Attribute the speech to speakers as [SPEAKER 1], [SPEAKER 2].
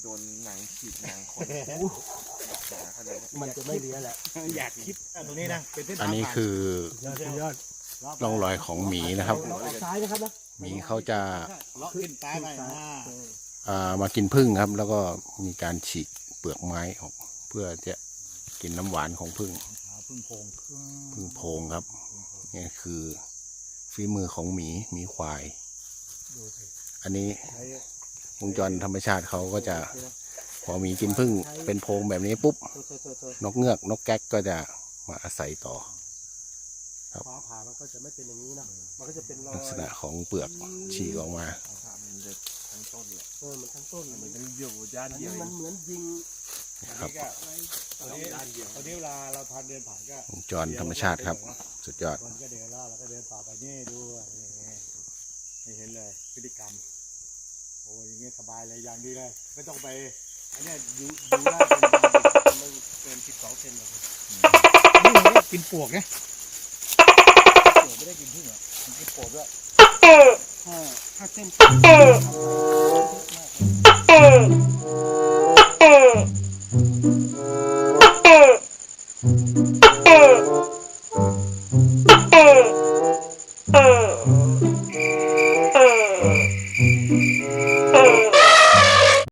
[SPEAKER 1] นหนังฉีกหนังคน
[SPEAKER 2] มันจะไม่เลี้ยแหละ
[SPEAKER 3] อยากคิดตรงนี้นะเป็นเส้นทาง
[SPEAKER 4] อันนี้คือย
[SPEAKER 2] อด
[SPEAKER 4] ร่องรอยของหมีนะครับ
[SPEAKER 2] เราออกซ้ายนะครับนะ
[SPEAKER 4] หมีเขาจะ
[SPEAKER 3] เลาะขึ้นซ้ายไป
[SPEAKER 4] มากินผึ้งครับ แล้วก็มีการฉีกเปลือกไม้ออกเพื่อจะกินน้ำหวานของผึ้ง
[SPEAKER 3] พึ่งโพง
[SPEAKER 4] ผึ้งโพงครับนี่คือฝีมือของหมีควาย อันนี้วงจรธรรมชาติเขาก็จะพอหมีกินผึ้งเป็นโพงแบบนี้ปุ๊บนกเงือกนกแก๊กก็จะมาอาศัยต่อ
[SPEAKER 2] ฟ้าผ่ามันก็จะไม่เป็นอย่างนี้นะมันก็จะเป็นรอย
[SPEAKER 4] ลักษณะของเปลือกฉีกออกมา
[SPEAKER 1] มันจะทั้งต้นเลย
[SPEAKER 2] มันทั้งต้น
[SPEAKER 1] มันเป็นเดี่ยวด้าน
[SPEAKER 2] อัน
[SPEAKER 1] เดี
[SPEAKER 2] นี้
[SPEAKER 1] ยว
[SPEAKER 2] มันเหมือนยิง
[SPEAKER 4] ครับ
[SPEAKER 3] ตอนนี้เวลาเราทานเดินผ่านก็
[SPEAKER 4] วงจรธรรมชาติครับ สุดยอด
[SPEAKER 3] คนก็เดินแล้วเราก็เดินต่อไปนี่ดูให้เห็นเลยพฤติกรรมโอ้ยอย่างเงี้ยสบายเลยอย่างดีเลยไม่ต้องไปอันนี้ดูได้เป็นไม่เกิน12 เซนหรอกนี่มันก็กินปวกนะปวกไม่ได้กินพึ่งหรอมันกินปวกด้วย
[SPEAKER 2] ถ้าเส้น